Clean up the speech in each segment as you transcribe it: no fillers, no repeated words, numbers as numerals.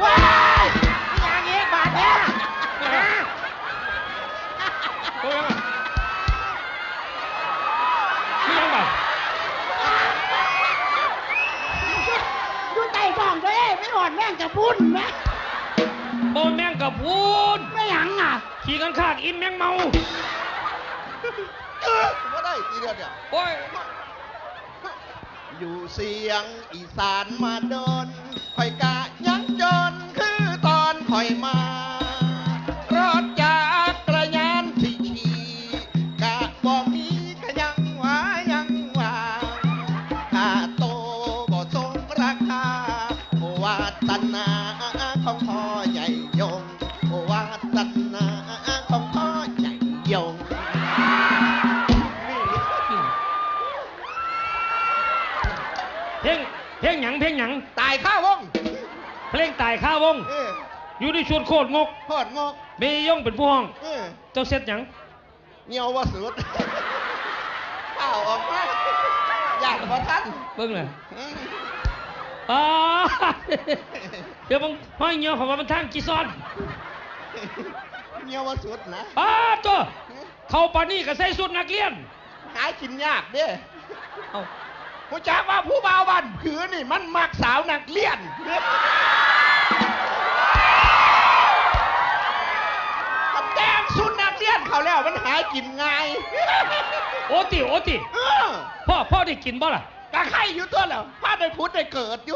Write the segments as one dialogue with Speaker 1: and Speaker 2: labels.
Speaker 1: ว้ายนี่อย่างนี้บาดเนี่ย
Speaker 2: โอ้ยังไงนี่ยังไง
Speaker 1: ดูใจกล่องด้วยไม่หอดแม่งจะบุญไหม
Speaker 2: โบแมงกับพูน
Speaker 1: ไม่หยังอ่ะ
Speaker 2: ขี่กันข้างอินแมงเมา
Speaker 3: ก็ได้ทีเดียวเนี่ย
Speaker 2: โอ้ย
Speaker 3: อยู่เสียงอีสานมาโดนคอยกะยังจนคือตอนคอยมารถจากกระยานที่ขี่กะบอกมีก็ยังว่าค่าโตบ่สมราคาวาสนาของพ่อใหญ่ยงวาสนาของพ่อใหญ่ยง
Speaker 2: เพลงหยัง
Speaker 3: ตายข้าวง
Speaker 2: เพลงตายข้าวง อยู่ในชวนโคตรงก
Speaker 3: โคตรงก
Speaker 2: เมยย่องเป็นผู้ห้อง เจ้าเซ็ตหยัง
Speaker 3: เงียวว่าสุดข้าวออกมาอยากพอท่าน
Speaker 2: เบิ่งเลยอ๋อเดี๋ยวมึงห้อยเงี้ยวของมันทางจีซอน
Speaker 3: เงียวว่าสุดนะ
Speaker 2: อ้าตัวเขาปานี่ก็ใส่สุดนักเรียน
Speaker 3: หากินยากเด้
Speaker 2: เอา
Speaker 3: ผู้จักว่าผู้บ่าวบ้านผือนี่มันมักสาวนักเรียนมันแดงสุดนักเรียนเขาแล้วมันหากินง่าย
Speaker 2: โอติ
Speaker 3: เออ
Speaker 2: พ่อได้กินบ่ล่ะ
Speaker 3: กะไข่อยู่ตัวแล้วพาได้พุทธได้เกิดอยู่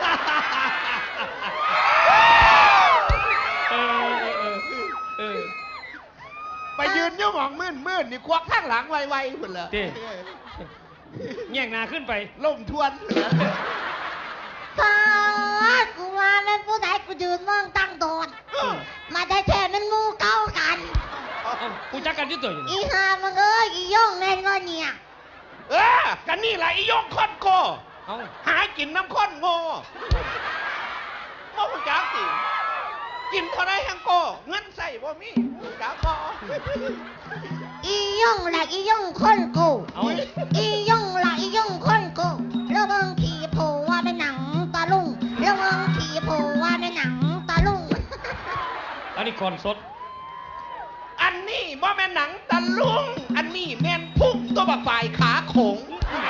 Speaker 2: เออ
Speaker 3: ไปยืนอยู่หมองมื่นนี่ควักข้างหลังไวๆพุ่นละ
Speaker 2: แย่งหนาขึ้นไป
Speaker 3: ล่มทวน
Speaker 1: พอกูว่าแม่นผู้ใดกูยืนมองตั้งโดนมาได้แท้มันมูเก้ากัน
Speaker 2: กูจักกันอยุ่ตัวอยู่
Speaker 1: อีหามึงเอ้ยอีย่องแน่นอนเนี่ย
Speaker 3: กันนี่แหละอียงคอนโก
Speaker 2: เอา
Speaker 3: หากินน้ำข้นโง่บ่ผู้จักสิกินเท่าไรแฮงโกเงินใส่บ่มีผู้จักบ่
Speaker 1: อีย่องละอีย่องคนกู
Speaker 2: เอา
Speaker 1: อีย่องละอีย่องคนกูระวังขี่โผว่าเป็นหนังตาลุงระวังขี่โผว่าเป็นหนังตาลุง
Speaker 2: อันนี้คอนสด
Speaker 3: อันนี้บ่แม่นหนังตะลุงอันนี้แม่นพุ่งตัวบักฝ่ายขาโขง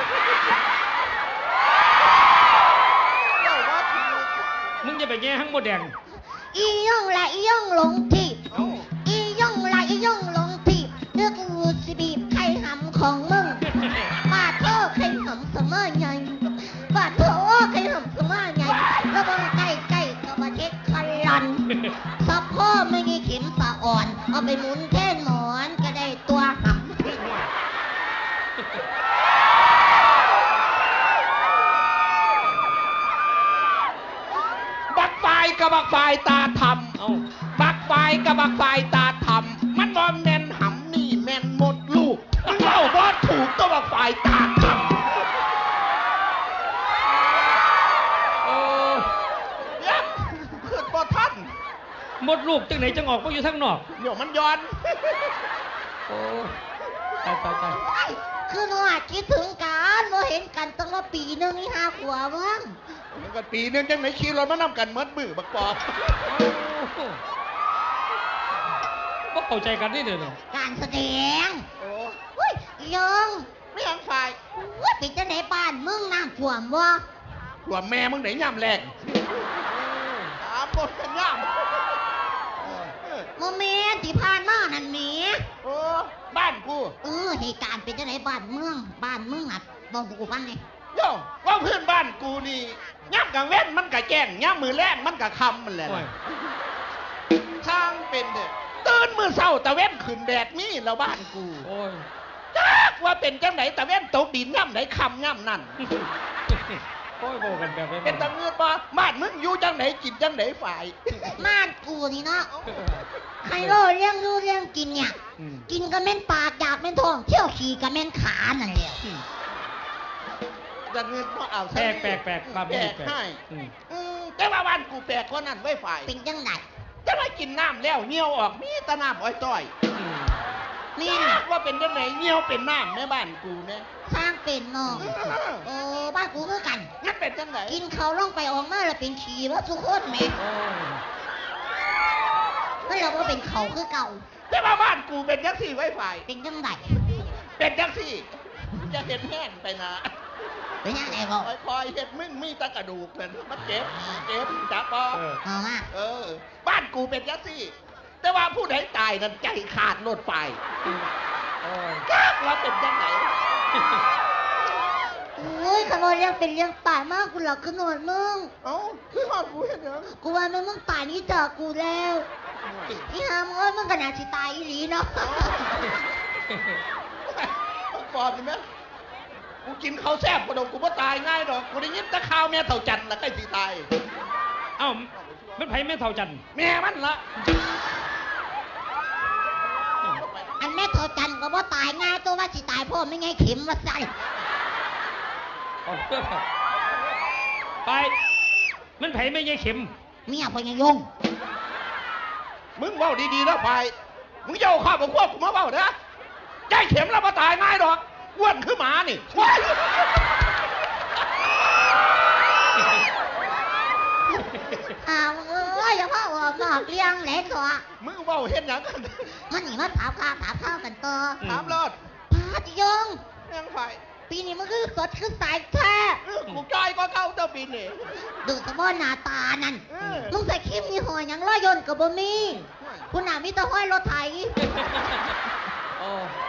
Speaker 3: เจ้าว่าถูก
Speaker 2: มึงจะไปแย่ห้างโมแดง
Speaker 1: อีย่องละอีย่องหลงทิพย์
Speaker 3: เอ้า
Speaker 1: อีย่องละอีย่องหลงทิพย์เรื่องกูสิบีบไข่หำของมึงบาดเธอไข่หำเสมอไงบาดเธอไข่หำเสมอไงระวังใกล้ๆกับประเทศคันลันซับพ่อไม่มีเข็มสะอ่อนเอาไปหมุนแท่นหมอนก็ได้ตัวหำ
Speaker 3: บักฝ่ายกับบักฝ่ายตาท
Speaker 2: เอา
Speaker 3: ำบักฝ่ายกับบักฝ่ายตาทำมันบ่แม่นหำนี่แม่นหมดลูกมึงเอาบ่ถูกตัวบักฝ่ายตาท
Speaker 2: โอ้
Speaker 3: ำยักขึ้นบ่ทัน
Speaker 2: หมดลูกจังไหนจังออกมาอยู่ทั้งนอก
Speaker 3: เดี๋ยวมันย้อน
Speaker 2: โอ้ตาย
Speaker 1: คือหนูอาจคิดถึงกันเราเห็นกันตั้งแต่ปีหนึงนี่ห้าขวบมั้ง
Speaker 3: มันก็ปีนึงจังไหนขี่รถมานำกันเมิดมือบักปอบ
Speaker 2: ก็เข้าใจกันนี่เด้อเนี่ย
Speaker 1: การแสดง
Speaker 3: โอ้
Speaker 1: อุ้ยยัง
Speaker 3: ไม่ยังฝ่าย
Speaker 1: ว่าปิดจะไหนบ้านมึงน้ำท่วมบ่
Speaker 3: หัวแม่มึงไหนย่ำแรกถามบนกันย่ำ
Speaker 1: โมเมนต์ที่ผ่านมานั่นแหม
Speaker 3: โอ้บ้านกู
Speaker 1: เหตุการณ์เป็นจะไหนบ้านเมืองอ่ะบอกกูฟังไง
Speaker 3: โย่ว่าเพื่อนบ้านกูนี่ย่ำกลางเว้นมันกะแจ้งย่ำมือแรงมันกะคำมันแหละ
Speaker 2: โอ้ย
Speaker 3: ช่างเป็นเด้อตื่นมือเศร้าตะเว้นขึ้นแดดนี่แล้วบ้านกู
Speaker 2: โอ้ย
Speaker 3: จักว่าเป็นจังไหนตะเว้นตกดินย่ำไหนคำย่ำนั่น
Speaker 2: โอ้ยโบกันแบบนี้
Speaker 3: เป็นตะเงือดบ่บ้านมึงอยู่จังไหนกินจังไหนฝ่าย
Speaker 1: บ้านกูนี่เนาะไฮโลเลี้ยงดูเลี้ยงกินเนี่ย กินก็แม่นปากอยากแม่นท้องเที่ยวขี่ก็แม่นขานั่นแหละ
Speaker 3: ตะเงือดบ่เอา
Speaker 2: แปลกความ
Speaker 3: แปล
Speaker 2: นี้
Speaker 3: ก
Speaker 2: แปลก
Speaker 3: ให้
Speaker 2: อืม
Speaker 3: แต่ว่าบ้านกูแปลกกว่านั้นไว้ฝ่าย
Speaker 1: เป็นจังไหน
Speaker 3: จะมากินน้ำแล้วเหี่ยวออกมีแตะน้ำอ้อยต้อย
Speaker 1: แม่น
Speaker 3: จักว่าเป็นจังไหนเหี่ยวเป็นน้ำแม่บ้านกูเนี่ย
Speaker 1: สร้างเป็นเนาะโอ้บ้านกูคือกัน
Speaker 3: งั้นมันเป็นจังไหน
Speaker 1: กินเขาวลงไปออกมาแล้วเป็นขี้ว่าสุกคนแหม่
Speaker 2: โอ้ย
Speaker 1: มันเราว่าเป็นเขาคือเก่า
Speaker 3: แต่ว่าบ้านกูเป็นจังสี่ไว้ไฟ
Speaker 1: เป็นจังได
Speaker 3: เป็นจังสี่จะเห็นแห้งไปนะ
Speaker 1: เป็นยังไงบอก
Speaker 3: คอยเห็ดมึงมีแตะกระดูกเป็นมันเจ็บจับปอ
Speaker 1: เอามา
Speaker 3: บ้านกูเป็นจังสี่ แต่ว่าผู้ใดตายนั้นใจขาดโลดไป
Speaker 2: โอ้ย
Speaker 3: ว่าเป็นจังไหน
Speaker 1: โอ้ยขโมยเรื่องเป็นเรื่องป่ามากกูหลอกขนวดมึง
Speaker 3: เอ้าคือหอดกูเห็นยัง
Speaker 1: กูว่ามึงป่านนี้จากกูแล้วอีหามงเอ้ยมึงก็น่าสิตายอีหลีเนาะ
Speaker 3: ก่อนนี่ไหมกูกินข้าวแซ่บกระดกกูไม่ตายง่ายดอก กูได้ยินแตะข้าวแม่เต่าจันทร์ละใกล้สิตาย
Speaker 2: เอ้ามันไผแม่เท่าจันทร์
Speaker 3: แม่มันละ
Speaker 1: อันแม่เท่าจันก็บ่ตายง่ายตัวว่าสิตายพ่อไม่ไงเข็มว่าสั่น
Speaker 2: เอาเด้อไป มันไผไม่ใช่เข็ม
Speaker 1: เมียพ่อยังยง
Speaker 3: มึงเว้าดีๆนะไฟมึงอย่าเอาข้าวกับพวกกูมาเว้านะใจเข็มแล้วมาตายง่ายดอกอ้วนคือหมานี่ว้าย
Speaker 1: อ้าวเอ้ยอย่าพ่อออกนอกเลี้ยงแหลกตัว
Speaker 3: มึงเว้าเห็นหยังกัน
Speaker 1: มันนี่มาถามข้าวกันต่อ
Speaker 3: ถามรอด
Speaker 1: พาติยง
Speaker 3: ยังไฟ
Speaker 1: ปีนี้มันคือสดคือสายแท้
Speaker 3: กูใจก็เข้าเจ้าปีนี่
Speaker 1: ดูสะบ้อนหน้าตานั่น
Speaker 3: เออ
Speaker 1: มึงใส่ครีมยี่ห้อหยังร้อยยนต์กับบ่มีคุณหนามีแต่ห้อยรถไถ
Speaker 2: โอ้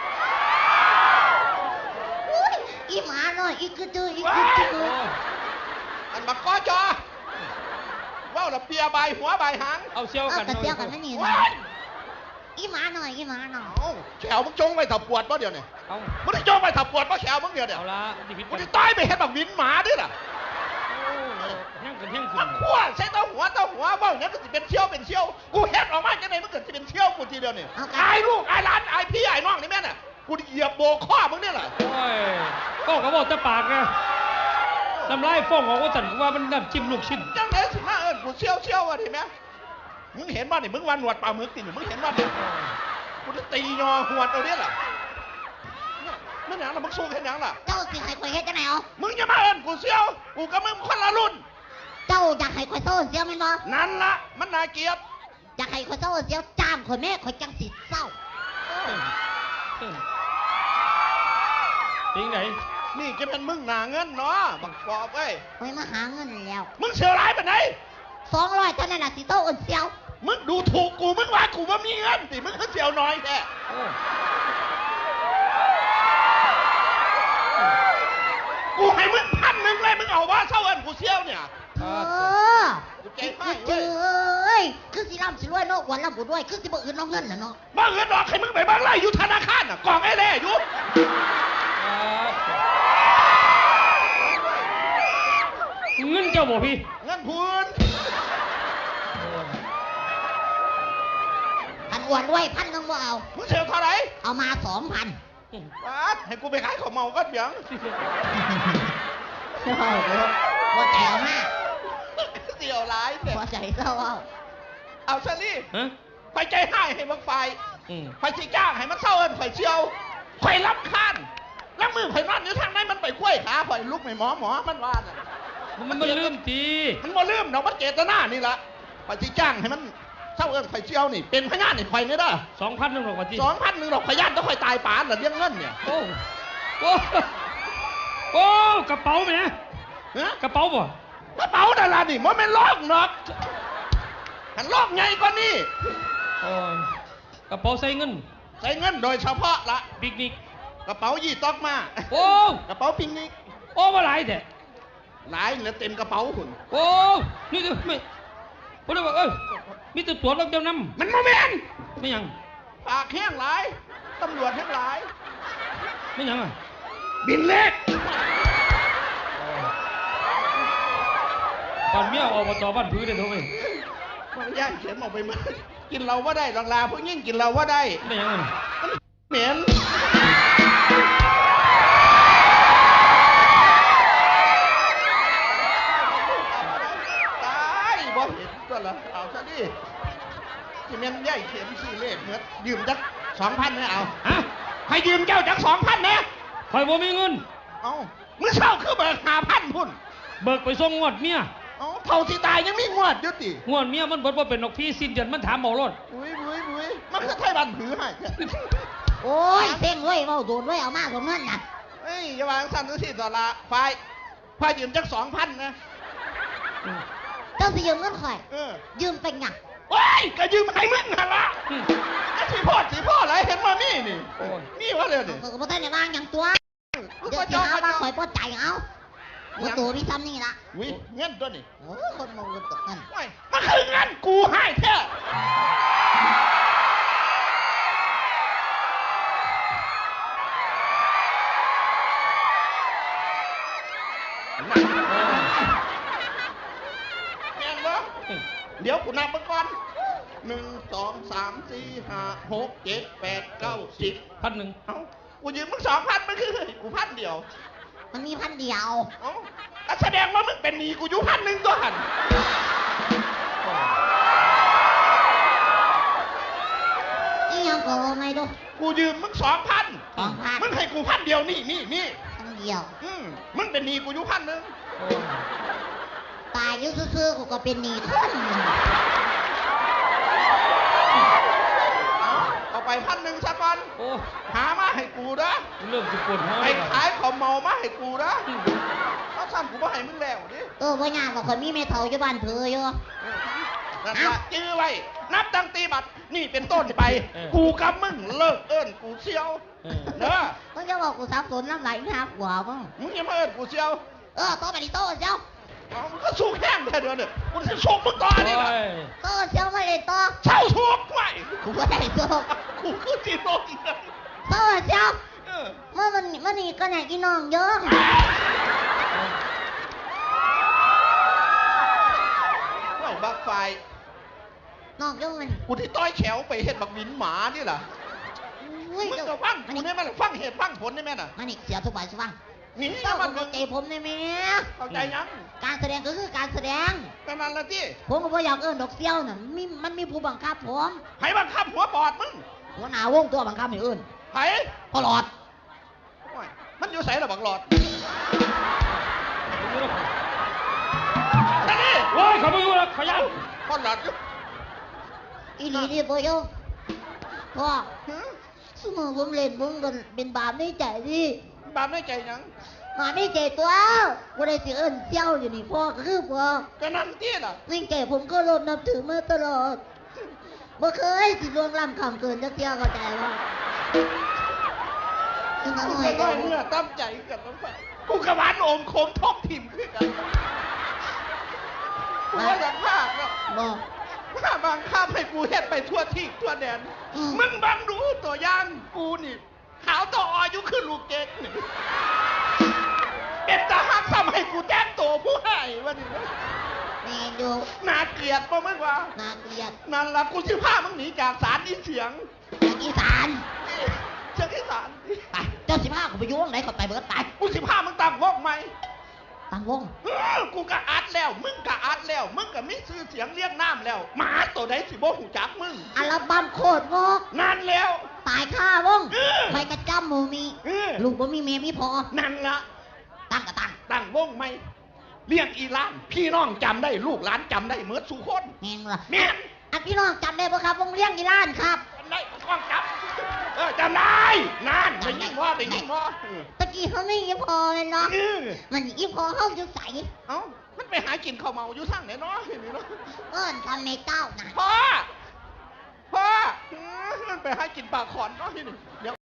Speaker 1: อุ๊ยอีหมาหน่อยอีกระจืออีกระจือ
Speaker 2: โอ้
Speaker 3: อันบักก้อจอเว้าละเปียใบหัวใบหาง
Speaker 2: เอาเชี่ยว
Speaker 1: เอา
Speaker 2: กัน
Speaker 1: กระเจียวกันไม่นี่
Speaker 3: ว้า
Speaker 1: นะ
Speaker 3: ย
Speaker 1: อีหมาหน่อยอีหมาหน่อย
Speaker 3: เอ้าแขวมึงจงไว้ถับปวดป่ะเดี๋ยวนี้
Speaker 2: เอา
Speaker 3: มึงได้จงไว้ถับปวดป่ะแขวมึงเดี๋ยว
Speaker 2: เอาละดิพิษ
Speaker 3: มึงได้ตายไปเห็นบักวินหมาดิล่ะ
Speaker 2: แห้งกันแห้งขึ้
Speaker 3: มัน นขั้วใช้เต้าหัวเบ้าเนี่ยก็จะเป็นเชี่ยวกูเฮ็ดออกมาจังไงมันเกิดจะเป็นเชี่ยวกูทีเดียวนี่อายลูกอายหลานอายพี่อายน้องนี่แม่น่ะกูเหยียบโบกข้อมึงเนี่ยแหละ
Speaker 2: โอ้ยก็กระบอกแต่ปากนะน้ำลายฟ้องออกว่าสั่นกูว่ามันน้ำจิ้มลูกชิ้น
Speaker 3: จังไหนสิมากูเชี่ยวอ่ะทีแม่มึงเห็นบ้านนี่มึงวันหนวดปลาหมึกติมึงเห็นบ้านนี่กูจะตียอหวดเอาเนี่ยล่ะนั่นหยังล่ะมึงสู้แค่หยังล่ะ
Speaker 1: เจ้าสิให้ข่อยเฮ็ดจังไหนเอา
Speaker 3: มึงอย่ามากูเชี่ยวกูกับมึงคนละรุ่น
Speaker 1: เจ้าอยากให้ข่อยโซ่เสียวแม่นบ่
Speaker 3: นั่นละมันน่าเกลียด
Speaker 1: อยากให้ข่อยโซ่เสียวจ้ามข่อยแม่ข่อยจังสิเศร้า
Speaker 2: จริงไหน
Speaker 3: นี่จะเป็นมึงหนาเงินเนาะบักปอบเว้ย
Speaker 1: ข่อยมาหาเงินแล้ว
Speaker 3: มึงเสียวร้ายไปไหน
Speaker 1: 200เท่านั้นน่ะสิโตอ่อนเสียว
Speaker 3: มึงดูถูกกู มึงว่ากูว่ามีเงินสิมึงก็เสียวน้อยแค่
Speaker 2: โอ้
Speaker 3: กูให้มึง1,000เลย มึงเอาว่าเท่าเอินกูเสียวเนี่ย
Speaker 1: เอ
Speaker 2: อ่า
Speaker 1: อ
Speaker 3: กูใจ
Speaker 1: คื
Speaker 3: ให้
Speaker 1: อเจ
Speaker 3: เว้ย
Speaker 1: เอ้ยคือสิร่ำสิรวยเนาะอ้วันร่ำบุด้วยคือสิบ่อื่นเน้องเงินน่ะเนาะ
Speaker 3: บ้าเงินดอกให้มึงไปบ้างไรอยู่ธนาคารน่ะกล่องไอ้เล่อยู่
Speaker 2: เงินเจ้าบ่พี่
Speaker 3: เงินพูน
Speaker 1: พันอ้วนด้วย1,000นึงบ่เอา
Speaker 3: มึงเสียวเท่าไหร่
Speaker 1: เอามา 2,000
Speaker 3: วาดให้กูไปขายของเมาก็เบียง
Speaker 1: บ่ใจเอามา
Speaker 3: เสียวร้ายแต่
Speaker 1: บ่ใจเศร้าเอา
Speaker 3: เอาซะนี่
Speaker 2: ฮะ
Speaker 3: ไปใจให้ให้มึงไฟ
Speaker 2: อืม
Speaker 3: ไฟสิจ้างให้มันเท่าเอินไฟเชียวไฟรับคานแล้วมือไฟนอนอยู่ทางไหนมันไปกล้วยขาไฟลุกไม่หมอมันว่าน่ะ
Speaker 2: มันลืมตี
Speaker 3: มันบ่ลืมดอกมันเจตนานี่ละไปสิจ้างให้มันเท่าเอิ้นไข่เจียวนี่เป็นพญานนี่ไข่นี่เด้อ
Speaker 2: 2,000นึงหรอกว่าจี
Speaker 3: 2,100ดอกพญานต้องไข่ตายป่านน่ะเลี้ยงเงินเนี่ย
Speaker 2: โอ้โอ้โอ้กระเป๋าไหม
Speaker 3: ฮะ
Speaker 2: กระเป๋าบ่
Speaker 3: กระเป๋านั่นล่ะนี่มันเป็นลอกดอกหันลอกใหญ่กว่านี้
Speaker 2: โอ้ยกระเป๋าใส่เงิน
Speaker 3: ใส่เงินโดยเฉพาะละ
Speaker 2: ปิกนิก
Speaker 3: กระเป๋ายี่ต๊อกมา
Speaker 2: โอ้
Speaker 3: กระเป๋าปิงนิก
Speaker 2: โอ้มาหลายแต่
Speaker 3: หลายเหลือเต็มกระเป๋าหุ่น
Speaker 2: โอ้นี่จะไม่ผมเลยบอกมีแต่ตัวรถเจ้านำ
Speaker 3: มันโมเมน
Speaker 2: ไม่ยัง
Speaker 3: ปากแห้งหลายตำรวจแห้งหลาย
Speaker 2: ไม่ยังอ่ะ
Speaker 3: บินเล็ก
Speaker 2: ตอนเมียออกมาต่อบ้านพื้นเลยทุกคน
Speaker 3: มันย่างเข็มออกไปมากินเราว่าได้ลาพวกยิ่งกินเราว่าได้
Speaker 2: ไม่ยังอ่ะ
Speaker 3: เหม็นตายบ่เห็นก็ละเอาซะดิที่แม่นใหญ่เข็มสี่เลขเหมือนยืมจัก2,000เนี่ยเอา
Speaker 2: ฮะ
Speaker 3: ให้ยืมเจ้าจัก2,000เนี่ย
Speaker 2: คอยบ่มีเงิน
Speaker 3: เอามึงเช่าคือเบิก5,000พุ่น
Speaker 2: เบิกไปส่งงวดเมีย
Speaker 3: เอ้าเท่าที่ตายยังมีงวดอยู่ติ
Speaker 2: งวดเมียมันเบิดว่าเป็นนกพี่สิ้นเดือนมันถามเอารถ
Speaker 3: อุ้ยมันคือไทยบ้านผือให้
Speaker 1: โอ้ยเพ่งเว้ยเมาโดนเว้ยเอามาสมเงินน่ะ
Speaker 3: เอ้ยอย่าวางสั่นดูสิต่อละไฟยืมจัก2,000นะ
Speaker 1: เจ้าสิยืมเงินข่อย ยืมเป็นหยัง
Speaker 3: ว้ายก็ยืมให้มึงหั่นล่ะก็สิพ่ออะไรเห็นมานี่
Speaker 2: โอ้ย
Speaker 3: นี่วะเลยนี่
Speaker 1: ก็บ่ทันได้วางหยังตัวเดี๋ยวสิหาว่าข่อยบ่ใจเอาบ่ตัวมีซ้ำนี่ล่ะ
Speaker 3: อุ้ยเงินตัวนี่
Speaker 1: โอ้ยคนเมาเงินตกเงิน
Speaker 3: ว้ายมันคือเงินกูให้แท้แม่นบ่เดี๋ยวกูนับมาก่อน1 2 3 4 5 6 7 8 9 10
Speaker 2: 1,000
Speaker 3: เอ้ากูยืมมึง2,000มันคือกู1,000เดียว
Speaker 1: มันมีพันเดียว
Speaker 3: เอ้าก็แสดงว่ามึงเป็นหนี้กูอยู่1,000ตัวหัน
Speaker 1: อีหยังก็บ่ไม่ดู
Speaker 3: กูยืมมึง2,000มึงให้กู1,000เดียวนี่
Speaker 1: พันเดียว
Speaker 3: มึงเป็นหนี้กูอยู่1,000
Speaker 2: โอ้ย
Speaker 1: ตายอยู่ซื่อๆกูก็เป็นหนี้คนหนึ่ง
Speaker 3: เอาไป1,000ซะก่อน
Speaker 2: โอ้
Speaker 3: หามาให้กูนะ
Speaker 2: เริ่มจะปวดหัว
Speaker 3: ไป
Speaker 2: แล้ว
Speaker 3: ขายของเมามาให้กูนะถ้าซ้ำกูบ่ให้มึงแล้วดิ
Speaker 1: บ่ยากหรอกข่อยมีแม่เฒ่าอยู่บ้านเผืออยู่
Speaker 3: นั่นละจื้อไว้ นับตั้งตีบัตรนี่เป็นต้นไป กูกับมึงเลิกเอิ้นกูเชียวเด้อ
Speaker 1: มึงจะบอกกูสับสนน้ำไหลหาหัวมึง
Speaker 3: มึงอย่ามาเอิ้นกูเชียว
Speaker 1: โตไปดิโตเจ้า
Speaker 3: เอามึงก็สู้แห้งแค่เดือนเนี่ยกูจะสู้มึงต่อนี่
Speaker 2: โอ้
Speaker 3: ล่ะ
Speaker 2: ย
Speaker 1: โตเจ้าไม่ได้โต
Speaker 3: เช่าสู้ไว้
Speaker 1: กูก็ได้โต
Speaker 3: กูคือจีโร่อีกนะ
Speaker 1: โตเจ้า
Speaker 3: เออ
Speaker 1: เมื่อวันนี้ก็ไหนอีน้องเยอะ
Speaker 3: ไว้บักไฟ
Speaker 1: น้องเยอะมัน
Speaker 3: กูที่ต้อยแขวไปเฮ็ดบักหวินหมานี่ล่ะ
Speaker 1: อุ้ย
Speaker 3: มึง
Speaker 1: เจ้า
Speaker 3: ก็ฟัง
Speaker 1: มัน
Speaker 3: กู
Speaker 1: นี่
Speaker 3: ได้ไหมล่ะฟังเหตุฟังผลได้ไหมน่ะ
Speaker 1: มันนี่เสียทุกบาททุกฟัง
Speaker 3: นี่
Speaker 1: เจ้า
Speaker 3: มั
Speaker 1: เข้าน ใจผมได้ไหม
Speaker 3: เข้าใจยัง
Speaker 1: การแสดงก็คือการแสดง
Speaker 3: แต่นั้นละที่
Speaker 1: ผมก็บ่อยากเอิ้นดอกเซี่ยวน่ะมันมีผู้บังคับผม
Speaker 3: ไผบังคับหัวปอดมึง
Speaker 1: หัวหน้าวงตัวบังคับให้เอิ้น
Speaker 3: ไผ
Speaker 1: พอหลอด
Speaker 3: โอ้ยมันอยู่ใส่ระบักหลอดแต่นี่
Speaker 2: โอ้ยเขาไม่รู้แล้วขยัน
Speaker 3: พอหลอดอยู่
Speaker 1: อีหลีนี่บ่ยงพ่อ
Speaker 3: หือ
Speaker 1: สมมติผมเล่นมึงกันเป็นบาปในใจดิ
Speaker 3: บาปในใจยัง
Speaker 1: บาปในใจตัวบ่ได้สิเอิ้นเซี่ยวอยู่นี่พ่อก็คือพ่อ
Speaker 3: ก็นั่นที่ล่ะ
Speaker 1: ในใจผมก็รบนับถือมาตลอดบ่เคยสิล่วงล้ำคำเกินจักเที่ยเข้าใจว่าคือมา
Speaker 3: กู
Speaker 1: หน่อย
Speaker 3: ก็
Speaker 1: ก็
Speaker 3: น้อยเมื่อตั้มใจกันน้ำไฟกูกระบาลโอมโคมทบทิมขึ้นกันกูว่าอยากพากแล้ว
Speaker 1: บ่
Speaker 3: ถ้าบางข้ามให้กูเฮ็ดไปทั่วที่ทั่วแดน มึงบังดูตัวอย่างกูนี่ ขาวต่ออายุขึ้นลูกเก๊กนี่เป็นทหารทำให้กูแจ้งตัวผู้ให้วันนี้
Speaker 1: แม่นอยู่
Speaker 3: น่าเกลียดป่ะมึงวะ
Speaker 1: น่าเกลียด
Speaker 3: นั่นละกูสิพามึงหนีจากศาลอีเสียง
Speaker 1: จากอีสาน
Speaker 3: เสียงอีสาน
Speaker 1: ไปเจ้าสิพากูไปอยู่วงไหนก็ไปเบิดไป
Speaker 3: กูสิพามึงตั้งวงไหม
Speaker 1: ตั้งวง
Speaker 3: กูก็อัดแล้ว มึงก็อัดแล้ว มึงก็มีชื่อเสียงเรียกน้ำแล้วหมาตัวใดสิบ่หูจักมึง
Speaker 1: อัลบั้มโคตรงก
Speaker 3: นั่นแล้ว
Speaker 1: ตายค่าวง
Speaker 3: เออ
Speaker 1: ไปกระจ้ำหมูมี
Speaker 3: เออ
Speaker 1: ลูกบ่มีเมียมีพอ
Speaker 3: นั่นละ
Speaker 1: ตั้งก็ตั้ง
Speaker 3: ตั้งวงไหมเลี้ยงอีหลาน พี่น้องจำได้ลูกหลานจำได้เหมือนสุคน
Speaker 1: แม่นบ่ล่ะ
Speaker 3: แม่น
Speaker 1: อันพี่น้องจำได้บ่ครับวงเลี้ยงอีล้านครับ
Speaker 3: จำได้กล้องจับจำได้นั่นได้ยินว่าได้ยินว่า
Speaker 1: ตะกี้เขาไม่อีพอเลยเนาะ
Speaker 3: เออ
Speaker 1: มันอีพอเข้าจะใส
Speaker 3: เอ้ามันไปหากินข้าวเมาอยู่ทางไหนเนาะเห็นไหมเนาะ
Speaker 1: เอิ้นทำในเต้านะ
Speaker 3: พ่อมันไปหากินปลาขอนเนาะที่นี่เดี๋ยว